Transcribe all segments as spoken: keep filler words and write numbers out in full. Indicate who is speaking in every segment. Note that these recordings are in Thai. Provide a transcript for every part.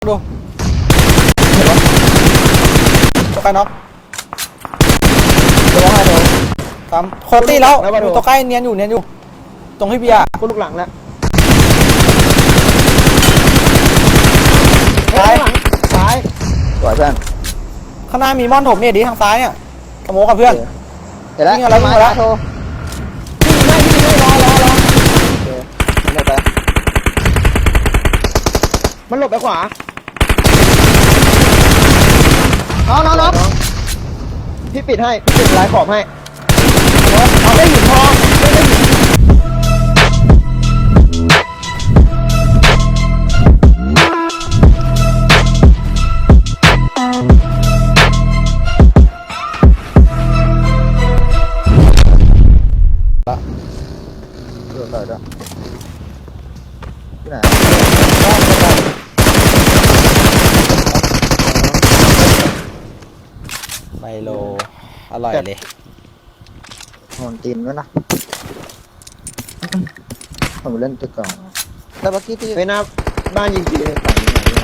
Speaker 1: ดูตัวใกล้น็อกตัวให้ดูตามโคตรตีแล้วตัวใกล้เนียนอยู่เนียนอยู่ตรงที่เบียร์
Speaker 2: กูลูกหลังแล้ว
Speaker 1: ซ้าย
Speaker 2: ซ้าย
Speaker 3: สวยเพื่อน
Speaker 1: ข้างหน้ามีม่อนถมเนี่ยดีทางซ้ายเนี่ยขโมยกับเพื่อน
Speaker 3: เห็นแล้ว
Speaker 1: วิ่งอะไรวิ่งอะไร
Speaker 3: โทร
Speaker 2: ไม่ไม่ไม่รอรอรอ
Speaker 3: เดี๋ยวไป
Speaker 2: มันหลบไปขวา
Speaker 3: น้องน้องน้อง
Speaker 2: พี่ปิดให้พี่ปิดลายขอบให้เอาได้หินทองได้ได้หิน
Speaker 3: เดี๋ยวเดี๋ยวที่ไหน
Speaker 1: ไมโลอร่อยเลย
Speaker 3: นอนตีนด้วยนะผมเล่นตึกก่อนแต่เมื่อกี้ที่
Speaker 2: ไปหน้าบ้านยิงทีเลย
Speaker 3: ฝั่งนี้ไหนที่ไหน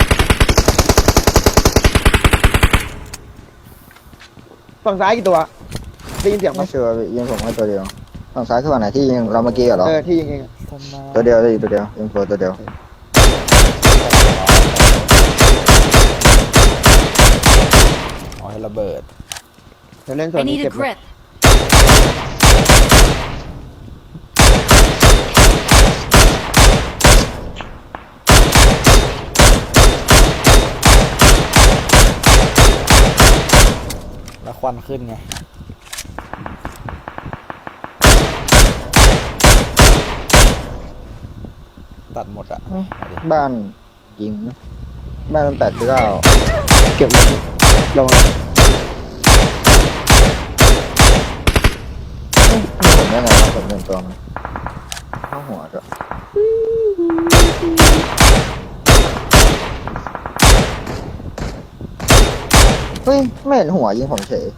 Speaker 2: ฝั่งซ้ายกี่ตัวได้ยินเสียงไหม
Speaker 3: ไม่ชัวร์ยิงผมแค่ตัวเดียวฝั่งซ้ายคือฝั่งไหนที่ยิงเราเมื่อกี้เหรอ
Speaker 2: เออที่ยิงเอง
Speaker 3: ตัวเดียวเลยตัวเดียวยิงโฟตัวเดียว
Speaker 1: อ๋อให้ระเบิด
Speaker 2: เดี๋ยวเล่นส่วน
Speaker 4: I
Speaker 2: นี้
Speaker 4: need
Speaker 2: เก็
Speaker 4: a
Speaker 2: บเลย
Speaker 4: grip.
Speaker 1: แล้วควันขึ้นไงตัดหมดอ่ะ
Speaker 3: บ้านยิงบ้านมันแปดเก้า
Speaker 2: เก็บเลยลง
Speaker 3: ผมได้ไงวะผมเล่นตัวมันเข้าหัวด้วยเฮ้ยไม่เห็นหัวยิงผมเฉย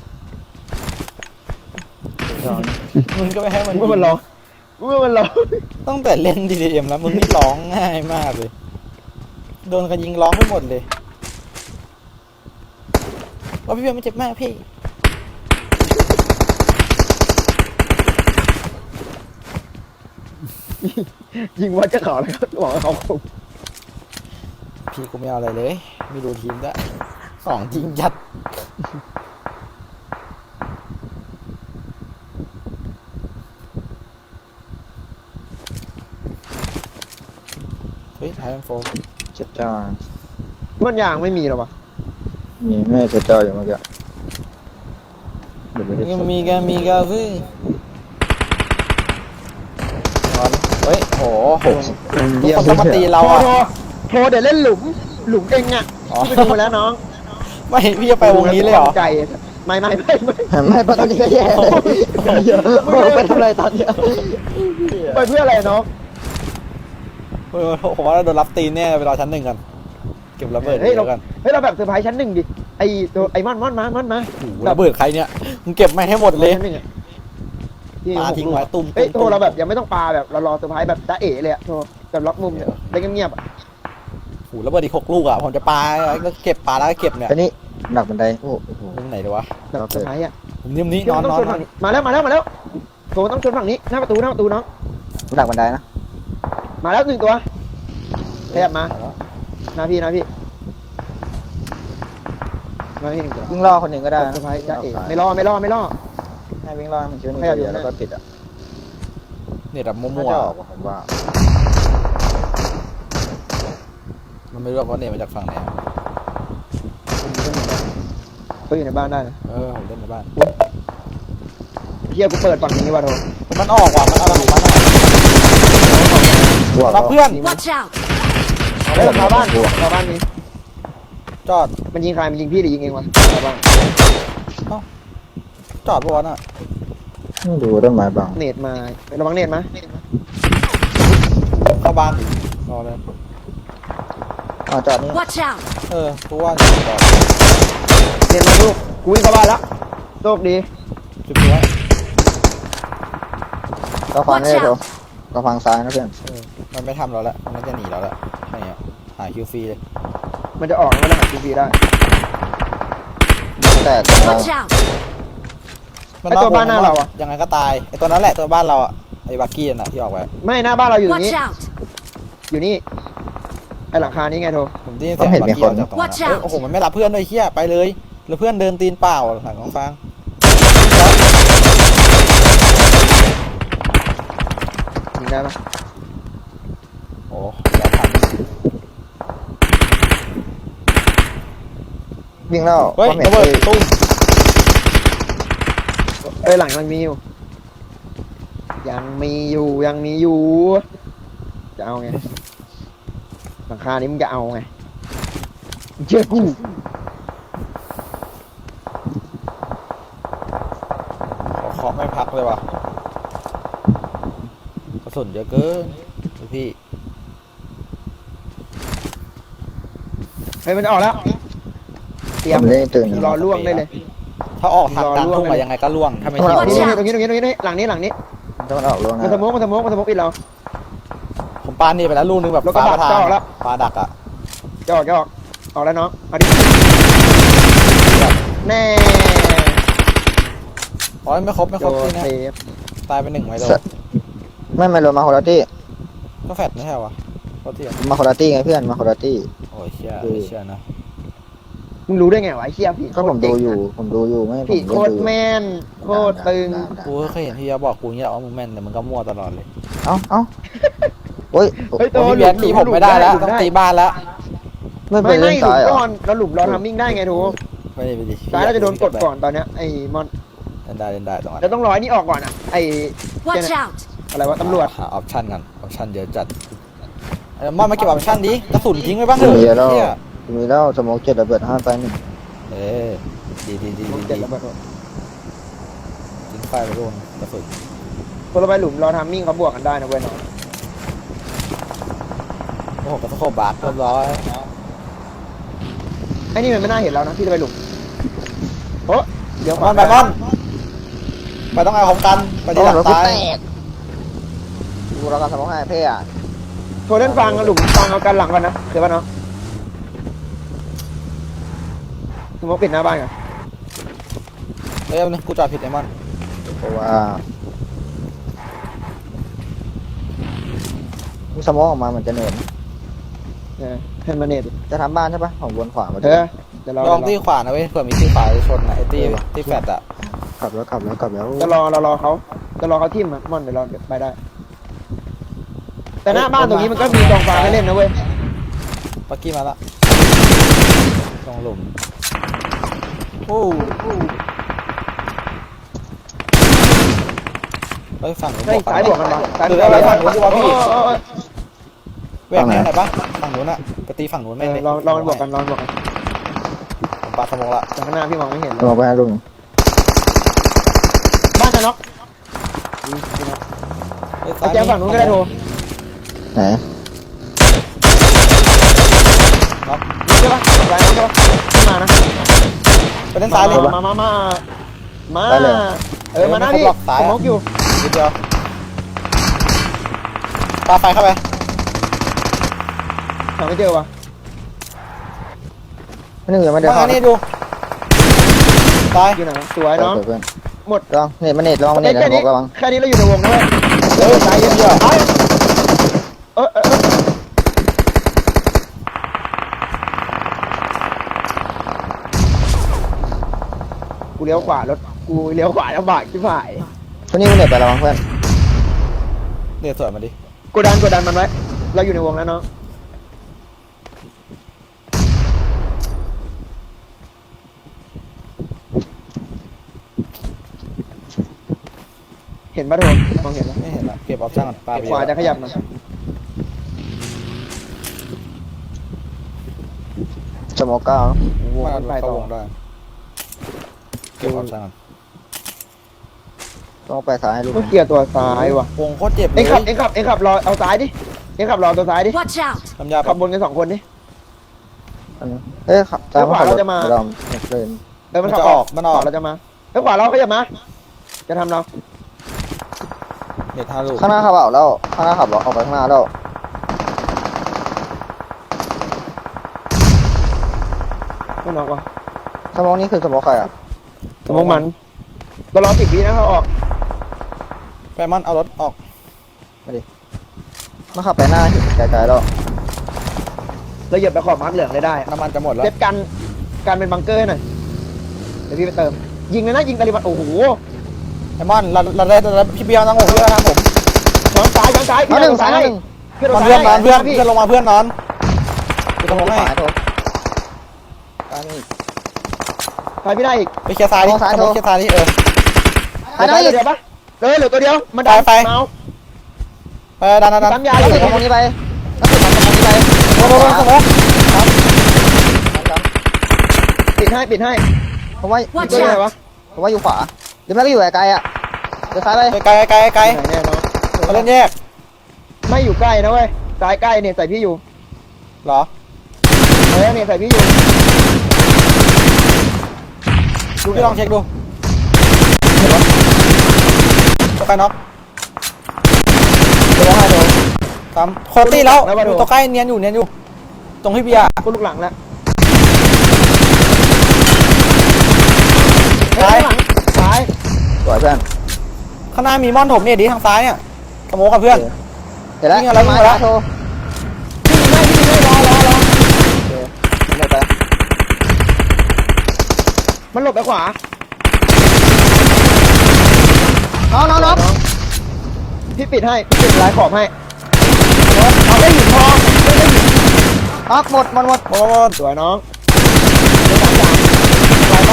Speaker 1: มึงก็ไม่ให้มัน
Speaker 2: มึงมันร้องมึงมันร้อง
Speaker 1: ตั้งแต่เล่น ดี ดี เอ็ม แล้วมึงนี่ร้องง่ายมากเลยโดนกันยิงร้องไปหมดเลยว่าพี่เบียร์ไม่เจ็บมากพี่
Speaker 2: ยิงวัดจะเขาเลยครับบอกว่าเขาคง
Speaker 1: พี่กูไม่เอาอะไรเลยไม่ดูทีมด้วยสองจริงจัดเฮ้ยไทยแอนโฟ
Speaker 3: เจ็บจ้า
Speaker 2: มันยางไม่มีหรอวะ
Speaker 3: มีแม่เจ็บจ้าอยู่เมื่อกี้เดี๋ยวไม่ได้
Speaker 1: ยังมีกันมีกันซึ่งเฮ้ยโหทุกคนต้องมาตีเรา
Speaker 2: โทร
Speaker 1: อ่ะ
Speaker 2: โทรโทรเดี๋ยวเล่นหลุมหลุมเองอ่ะ
Speaker 1: อ๋อ
Speaker 2: พี่ไปดูมาแล้วน้อง
Speaker 1: ไม่พี่จะไปวงนี้เลยเหรอ
Speaker 2: ใจไม่ไม่ไม่ไม่
Speaker 3: ไม่ปะตอนนี้ก็แย่ไปทำอะไรตอนเนี้ย
Speaker 2: ไปเพื่ออะไรน้อง
Speaker 1: เออผมว่าเราโดนรับตีนแน่ไปรอชั้นหนึ่งกันเก็บระเบิด
Speaker 2: เฮ้ยเรา
Speaker 1: เดี๋ยวกัน
Speaker 2: เฮ้ยเราแบบเซอร์ไพรส์ชั้นหนึ่งดิไอตัวไอมอนมอนมาม่อนมา
Speaker 1: โอ้โหระเบิดใครเนี่ยมึงเก็บไม่ให้หมดเลย
Speaker 2: ชั้นหนึ่งอะที่
Speaker 1: ปาทิ้งไว้ตุ้ม
Speaker 2: เฮ้ย
Speaker 1: ตุ้ม
Speaker 2: โทรเราแบบยังไม่ต้องปาแบบเรารอเซอร์ไพรส์แบบจ้าเอ๋เลยอะโทรแบบล็อกมุมเนี่ยได้เงียบๆอะ
Speaker 1: โอ้โหระเบิดอีกหกลูกอ่ะผมจะปาก็เก็บปาแล้วก็เก็บเนี่ย
Speaker 3: อันนี้หนักบันไดโอ้โห
Speaker 1: ตรงไหนดีวะ
Speaker 2: แบบเซอร์ไพรส์อะ
Speaker 1: ผมนิ่มนี้
Speaker 2: ที่
Speaker 1: นอ
Speaker 2: มัน นต้อง
Speaker 1: นอ
Speaker 2: ช
Speaker 1: น
Speaker 2: นฝั่งนี้มาแล้วมาแล้วมาแล้วโทรต้องชนฝั่งนี้หน้าประตูหน้าประตูน้อง
Speaker 3: หนักบันไดนะ
Speaker 2: มาแล้วหนึ่งตัวขยับมาหน้าพี่หน้าพี่มาพี่หนึ่งตัว
Speaker 3: วิ่งล่อคนหนึ่งก็ได้
Speaker 2: เซอร์ไพรส์จ้าเอ๋ไม่รอไม่รอไม่รอ
Speaker 3: ให้วิ่งล่อมันชิ้น
Speaker 2: ให้เอาอยู่
Speaker 3: เดียวแล้วก็ปิดอ่ะ
Speaker 1: เนี่ยแบบ
Speaker 3: น่า
Speaker 1: มั่ว
Speaker 3: จะออกผมว่า
Speaker 1: ๆมันไม่รู้ว่าเนี่ยมาจากฝั่งไหนอะ
Speaker 2: เขาอยู่ในบ้านได้นะ
Speaker 1: เออผมเล่นในบ้าน
Speaker 2: เฮียกูเปิดฝั่งนี้ว่ะโทร
Speaker 1: มันออกว่ะมันเอาอะไรของมันอะ
Speaker 3: บวก
Speaker 1: รับเพื่อน
Speaker 4: Watch out!
Speaker 2: เฮ้ยชาวบ้านชาวบ้านนี้
Speaker 1: จอด
Speaker 2: มันยิงใครมันยิงพี่หรือยิงเองวะชาวบ้าน
Speaker 1: จอดปะวะน่ะ
Speaker 3: ดูต้นไม้บาง
Speaker 2: เนตมาระวังเนตมา
Speaker 1: เข้าบ้านรอเลย
Speaker 3: อ๋อจอดนี่
Speaker 4: Watch out!
Speaker 1: เออกูว่าจอด
Speaker 2: เนตมาลูกกูวิ่งเข้าบ้านแล้วโชคดี
Speaker 1: จุดนี้ไว้
Speaker 3: ก็ฟังได้ดูก็ฟังซ้ายนะเพื่อน
Speaker 1: เออมันไม่ทำเราแล้วมันน่าจะหนีเราแล้วอะไรเงี้ยหาคิวฟรีเลย
Speaker 2: มันจะออกแล้วมันจะหาทีพีได้
Speaker 3: แต่ตรงเรา
Speaker 4: Watch out!
Speaker 1: มัน
Speaker 2: ไอ้ตัวบ้านหน้าเราอะ
Speaker 1: ยังไงก็ตายไอ้ตัวนั้นแหละตัวบ้านเราอะไอ้บักกี้น่ะที่ออกไป
Speaker 2: ไม่หน้าบ้านเราอยู่ตรงนี้
Speaker 4: Watch out!
Speaker 2: อยู่นี่ไอหลังคานี้ไงโท
Speaker 1: ผมได้ยินเสียงบักกี้ออกจากตรงนั้น
Speaker 4: Watch
Speaker 1: เอ้ย
Speaker 4: out
Speaker 1: โอ้โหมันไม่รับเพื่อนด้วยเฮียไปเลยแล้วเพื่อนเดินตีนเปล่าหลังของฟาง
Speaker 2: ยิงได้ปะ
Speaker 1: โอ้อย่าท
Speaker 3: วิ่งแล้ว
Speaker 1: ำเฮ้ย
Speaker 3: ความเห็น
Speaker 1: ระเบิด
Speaker 3: คือ
Speaker 1: ตุ้ม
Speaker 2: เอ้ยหลังยังมีอยู่ ยังมีอยู่ยังมีอยู่ จะเอาไงหลังคานี้มึงจะเอาไงมึงเชื่อกู
Speaker 1: ขอเคาะไม่พักเลยว่ะกระสุนเยอะเกินดูพี่
Speaker 2: เฮ้ยมันจะออกแล้วเตรีย
Speaker 3: ผม มเล่นตื่น
Speaker 2: รอล่วงได้เลย
Speaker 1: ถ้าออกทางกลาง
Speaker 2: รอล่วง
Speaker 1: ทุ่ง
Speaker 2: ไป
Speaker 1: มา
Speaker 2: เลย
Speaker 1: ยังไงก็ล่วงถ้าไม่
Speaker 3: เอา
Speaker 1: ชิ
Speaker 3: เอา
Speaker 1: ด
Speaker 2: ตรงนี้ตรงนี้ตรงนี้ตรงนี้หลังนี้หลังนี้
Speaker 3: ต้องออกลงนะ
Speaker 2: มันสโมกมันสโมกมันสโมกปิดเรา
Speaker 1: ผมปานี่ไปแล้วลูกนึงแบบ
Speaker 2: แล้วก็
Speaker 1: ฟ้า
Speaker 2: ดั
Speaker 1: ประ
Speaker 2: ก
Speaker 1: ทาน
Speaker 2: เจ้าแล้ว
Speaker 1: ฟ้าดักอ่ะ
Speaker 2: จะออกจะออกออกแล้วน้องเอาดิแน่
Speaker 1: โอ้ยไม่ครบไม่ค
Speaker 2: โด
Speaker 1: รบ
Speaker 2: น
Speaker 1: ที่นะ
Speaker 2: เซฟ
Speaker 1: ตายไปหนึ่งไว้โดน
Speaker 3: ไม่ไม่ลงมาโคลาตี้
Speaker 1: ก็แฟดไม่ใช่วะโคตรเที่ยง
Speaker 3: มาโคลาตี้ไงเพื่อนมาโคลาตี้
Speaker 1: โอ้ยเชี่ย
Speaker 3: ดู
Speaker 1: ไม่เชี่ยนะ
Speaker 2: มึงรู้ได้ไงวะไอ้เชี่ยพี่
Speaker 3: ก็ผมดูอยู่ผมดูอยู่ไม่ผม
Speaker 2: พี่
Speaker 3: เล่น
Speaker 2: โคตร
Speaker 3: ดู
Speaker 2: แม่นโคตรตึง
Speaker 1: กูก็เคยเห็นที่จะบอกกูเนี่ยว่ามึงแม่นแต่มึงก็มั่วตลอดเลย
Speaker 3: เอ้าเอ้าโอ้ย
Speaker 2: เฮ้ย
Speaker 1: โอ้
Speaker 2: ตัวย
Speaker 1: พี่เบียร์ตีผมไม่ได้แล้วต้องตีบ้านแล้ว
Speaker 3: ไม่ไป
Speaker 2: ไม่
Speaker 3: เล่
Speaker 2: ไม่
Speaker 3: น
Speaker 2: หลุ
Speaker 3: ซ้าม ยเหรอ
Speaker 2: ก่อนแล้วหลุมเราทำมิ่งได้ไงทู
Speaker 1: ไม่ได้ไปดิ
Speaker 2: ซ้ายเราจะโดนกดก่อนตอนเนี้ยไอ้มอน
Speaker 1: เล่นได้เล่นได้ตรงนั้น
Speaker 2: เราต้องรอไอ้นี่ออกก่อนอ่ะไอ้
Speaker 4: Watch out!
Speaker 2: อะไรวะตำรวจ
Speaker 1: หาออปชั่นกันออปชั่นเยอะจัดเออมอนมาเก็บออปชั่นดิกระสุนทิ้งไว้บ้างเถ
Speaker 3: มี
Speaker 1: อะ
Speaker 3: แล้ว
Speaker 1: เหี้ย
Speaker 3: มีแล้วสโมองเจ็ดระเบิดห้าไปหนึ่ง
Speaker 1: เออดีดีดี
Speaker 2: มอง
Speaker 1: ดี
Speaker 2: เจ็ด
Speaker 1: ดี
Speaker 2: แล้วแบบ
Speaker 1: ทิ้งไฟไปโดนกระสุน
Speaker 2: คนเราไปหลุมเราทำมิ่งเขาบวกกันได้นะเว้ยน้อง
Speaker 1: โอ้โหกระสุนบาร์เรียบร้อย
Speaker 2: ไอ้นี่มันไม่น่าเห็นแล้วนะที่จะไปหลุมโอ้เดี๋ยว
Speaker 1: มอนไปมอนไปต้องเอาของกันไปที่หลัง
Speaker 3: รถกู
Speaker 1: ซ้าย
Speaker 3: แตกดูแล้วกันสโมองให้เพ่อะ
Speaker 2: โทรเล่นฟังกับหลุมฟังเอากันหลังกันนะเดี๋ยวป่ะเนาะสมมติปิดหน้าบ้านกัน
Speaker 1: เอ้ยเอาเนี่ยกูจอดผิดไอ้มอน
Speaker 3: เพราะว่าสโมองออกมาเหมือนจะเหนื่อย
Speaker 2: เออให้มันเน็ต
Speaker 3: จะทำบ้านใช่ปะของวนขวามา
Speaker 2: เออเดี๋ยวเรา
Speaker 1: ลองที่ขวานะเว้ยเผื่อมีที่ขวาจะชนนะไอ้ตีที่แฟดอะ
Speaker 3: ขับแล้วขับแล้วขับแล้ว
Speaker 2: จะรอเรารอเขาจะรอเขาทิ่มอะมอนเดี๋ยวเราไปได้ แต่หน้าบ้านตรงนี้มันก็มีกองฟางให้เล่นนะเว้ย
Speaker 1: ปักกี้มาละลงหลุมโอ้เฮ้ยฝั่งนู้น
Speaker 2: เฮ้ย
Speaker 1: บวก
Speaker 2: สายบวกกันมาสายบวก
Speaker 1: เอ
Speaker 2: กั
Speaker 1: อน ไป
Speaker 2: มา
Speaker 1: ฝั่งนู้นดีกว่าพี่
Speaker 2: โอ้ย
Speaker 1: แหวกแนวไหนปะฝั่งนู้นอะไปตีฝั่งนู้น
Speaker 2: เอ
Speaker 1: แม่ง
Speaker 2: อ
Speaker 1: เลย
Speaker 2: ลองลองมันบวกกันลองมันบวกกัน
Speaker 1: ผมปาสมองละ
Speaker 2: จากข้างหน้าพี่มองไม่เห็นเล
Speaker 3: ล
Speaker 2: ย
Speaker 3: งไปให้ลุง
Speaker 2: บ้านจะน็อกดีดีนะ
Speaker 1: เฮ้ย
Speaker 2: เอาแจ้งฝั่งนู้นก็ได้โทร
Speaker 3: ไหน
Speaker 1: น็อก
Speaker 2: ใช่ปะไรน็อกใช่ปะขึ้นมานะ
Speaker 1: ไปเล่นซ้ายเลย
Speaker 2: มามามามา
Speaker 3: ได้เลย
Speaker 2: เออมาหน้าพี่
Speaker 1: เออไม่ครบหรอกซ้าย
Speaker 2: ส
Speaker 1: อะ
Speaker 2: มองอยู่
Speaker 1: นิดเดียวปาไฟเข้าไป
Speaker 2: หาไม่เจอวะ
Speaker 3: ไม่นึกยังไม่ได้
Speaker 1: มา
Speaker 3: เข้า
Speaker 1: นี่ดูตาย
Speaker 2: อยู่ไหนสวยน้อง
Speaker 3: เพื่อน
Speaker 2: หมด
Speaker 3: ลองเน็ตมาเน็ตลองมาเน็ตนะ
Speaker 2: แค่
Speaker 3: บ
Speaker 2: นี้
Speaker 3: อกระวัง
Speaker 2: แค่นี้เราอยู่ในวงนะเว้ย
Speaker 1: เออซ้ายเยอะเดียว
Speaker 2: เออเออเออกูเลี้ยวขวารถกูเลี้ยวขวาลำบากชิบหาย
Speaker 3: คนนี้มาเน็ตไประวังเพื่อน
Speaker 1: เดี๋ยวสวยมาดิ
Speaker 2: กดดันกดดันมันไว้เราอยู่ในวงแล้วเนาะเห็นปะโทนมองเห็นปะ
Speaker 1: ไม่เห็นละเก็บออปชั่นก่อนปาไป
Speaker 2: ขวาจะขยับมา
Speaker 3: สโมองเก้าว
Speaker 2: ง
Speaker 1: มา
Speaker 2: มันไป
Speaker 1: เข้า
Speaker 2: ต่อ
Speaker 1: วงได้เก็บออปชั่นก่อน
Speaker 3: ต้องไปซ้ายให้ลุง
Speaker 2: ต้องเคลียร์ตัวซ้ายว่ะ
Speaker 1: วงโคตรเจ็บเล
Speaker 2: เอ็
Speaker 1: ย
Speaker 2: งขับเอ็งขับเอ็งขับรอเอาซ้ายดิเอ็งขับรอตัวซ้ายดิ
Speaker 4: Watch out!
Speaker 1: ทำยา
Speaker 2: ขั
Speaker 1: ปั
Speaker 2: บบ นกันสองคนดิ
Speaker 3: เอ้ยขับตามมาขับรถ
Speaker 2: แล้วขวาเราจะมา
Speaker 3: เราเล่น
Speaker 2: เออมัน
Speaker 1: มัน
Speaker 2: ขับ
Speaker 1: จะออกมันออก
Speaker 2: ขวาเราจะมาแล้วขวาเราขยับมาจะทำเรา
Speaker 1: เน็ตห้าลูก
Speaker 3: ข้างหน้าขับเอาแล้วข้างหน้าขับออกไปข้างหน้าแล้ว
Speaker 2: ไม่นอกวะ
Speaker 3: สมองนี้คือสมองใครอ่ะ
Speaker 2: สมองมันก็รอสิบวินะเขาออก
Speaker 1: แฟมอนเอารถออก
Speaker 3: มาขับไปหน้าเห็นไกลๆแล้ว
Speaker 2: เราเหยียบไปขอบมาร์กเหลืองเลยได้
Speaker 1: น้ำมันจะหมดแล้ว
Speaker 2: เซฟกันกันเป็นบังเกอร์หน่อยเดี๋ยวพี่ไปเติม ยิงเลยนะยิงตาลิบันโอ้โห
Speaker 1: แฟมอนเราเราได้เราพี่เบียร์นั่งผมพี่เบียร์ทางผม
Speaker 2: ช้อนซ้ายช้อนซ้าย
Speaker 3: เอาหนึ่ง
Speaker 2: ซ้า
Speaker 3: สาย ยหนึ่ง
Speaker 2: เพื่อน
Speaker 1: นอน
Speaker 2: ซ้า
Speaker 1: เพื่อนนอนเพื่อน
Speaker 2: พี่
Speaker 1: เพื่อนลงมาเพื่อนนอนไปตรง
Speaker 3: ข
Speaker 1: ให้
Speaker 3: วาโถตายนี่
Speaker 2: ไปไม่ได้อีก
Speaker 1: ไปเคลียร์ซ้ายดิ
Speaker 3: มองซ้าย
Speaker 1: สมมติ
Speaker 3: โทร
Speaker 1: เคลียร์ซ้ายดิเออ
Speaker 3: ตายได้อีก
Speaker 2: เดี๋ยวปะเออเหลือตัวเดียวมันดั
Speaker 1: ไปไป
Speaker 2: เมาส์
Speaker 1: ไปดันดันดัน
Speaker 2: ปั๊มยา
Speaker 3: แล้
Speaker 2: อ
Speaker 3: ว
Speaker 2: ยู่
Speaker 3: ติดสมองนี้ไปแล้วติดสมองนี้ไป
Speaker 1: โดนโดนโดนสมอง
Speaker 2: ปิดให้ปิดให้
Speaker 3: ผมว่า
Speaker 2: ตัวไหนวะ
Speaker 3: ผมว่าอยู่ขวาหรือไม่ก็อยู่ไกลๆอ่ะเดี๋ยวซ้ายไป
Speaker 1: ไกลไกลไกล
Speaker 2: ไหนแน่เนาะ
Speaker 1: เขาเล่นแยก
Speaker 2: ไม่อยู่ใกล้นะเว้ยซ้ายใกล้เนี่ยใส่พี่อยู่
Speaker 1: เหรอ
Speaker 2: เออเนี่ยใส่พี่อยู่
Speaker 1: พี่ลองเช็คดูตัวใกล้น็อก
Speaker 3: เดี๋ยวให้โถ
Speaker 1: ตามโคตรตีแล้วอยู่ตัวใกล้เนียนอยู่เนียนอยู่ตรงพี่เบียร์
Speaker 2: กูลูกหลังแล้ว
Speaker 1: ซ้าย
Speaker 2: หลังซ้าย
Speaker 3: สวยเพื่อน
Speaker 1: ข้างหน้ามีม่อนถมเนี่ยดีทางซ้ายเนี่ยสมองกับเพื่อน
Speaker 3: เดี๋ยวแล้ว
Speaker 1: วิ่งอะไรวิ่ง
Speaker 3: มา
Speaker 1: อะไร
Speaker 3: โถ
Speaker 2: ไม่ไม่ไม่รอรอรอ
Speaker 3: เดี๋ยวไป
Speaker 2: มันหลบไปขวา
Speaker 3: น้องน้องน้อง
Speaker 2: พี่ปิดให้พี่ปิดลายขอบให้
Speaker 1: เอาได้หินทอง
Speaker 3: น็อกหมดหมดหมด
Speaker 1: โอ้โห
Speaker 2: สวยน้องสามสามลายบ้าง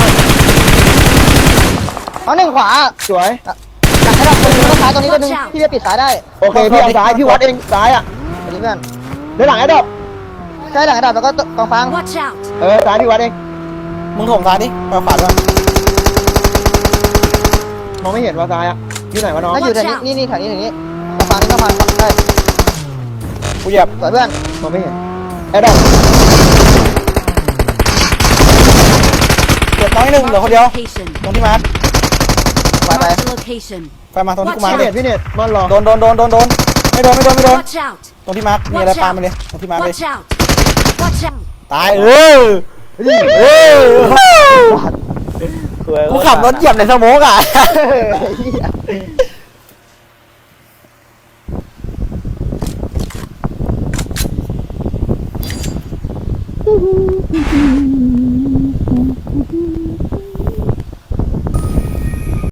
Speaker 3: เอาหนึ่งขวา
Speaker 2: สวย
Speaker 3: หลังให้เราคนนึงต้องซ้ายตรงนี้ตัวนึงพี่จะปิดซ้ายได้
Speaker 2: โอเคพี่เอาซ้ายพี่วัดเองซ้ายอ่ะ
Speaker 3: อันนี้เพื่อน
Speaker 2: เดี๋ยวหลังไอ้ดอก
Speaker 3: ใช่หลังกระดาษแล้วก็กองฟาง
Speaker 4: Watch out!
Speaker 2: เออซ้ายพี่วัดเอง
Speaker 1: มึงถมซ้ายดิไปฝาดด้วย
Speaker 2: มองไม่เห็นว่าซ้ายอ่ะที่ไหนวะน้อง
Speaker 3: ถ้าอยู่แถวนี้นี่นี่แถวนี้แถวนี้กองฟางนี่กองฟางใช่
Speaker 1: กูเหยียบ
Speaker 3: สวยเพื่อน
Speaker 2: มองไม่เห็นไอ้ดอก
Speaker 1: เหยียบน้อยหนึ่งเหลือคนเดียว
Speaker 4: Location.
Speaker 1: ตรงที่มาร์ค
Speaker 3: ไปไป
Speaker 4: Mark the location.
Speaker 1: ไปมาตรงที่กูมา
Speaker 2: พี่
Speaker 1: ร์ค
Speaker 2: เน็ตพี่เน็ตมันรอ
Speaker 1: โดนโดนโดนโดนโดนไม่โดนไม่โดนไม่โดน
Speaker 4: Watch out!
Speaker 1: ตรงที่มาร์คมีอะไรปามาเลยตรงที่มาร์คเลย
Speaker 4: Watch out! Watch out!
Speaker 1: ตายเออเออกูขับรถเหยียบในสโมกอ่ะ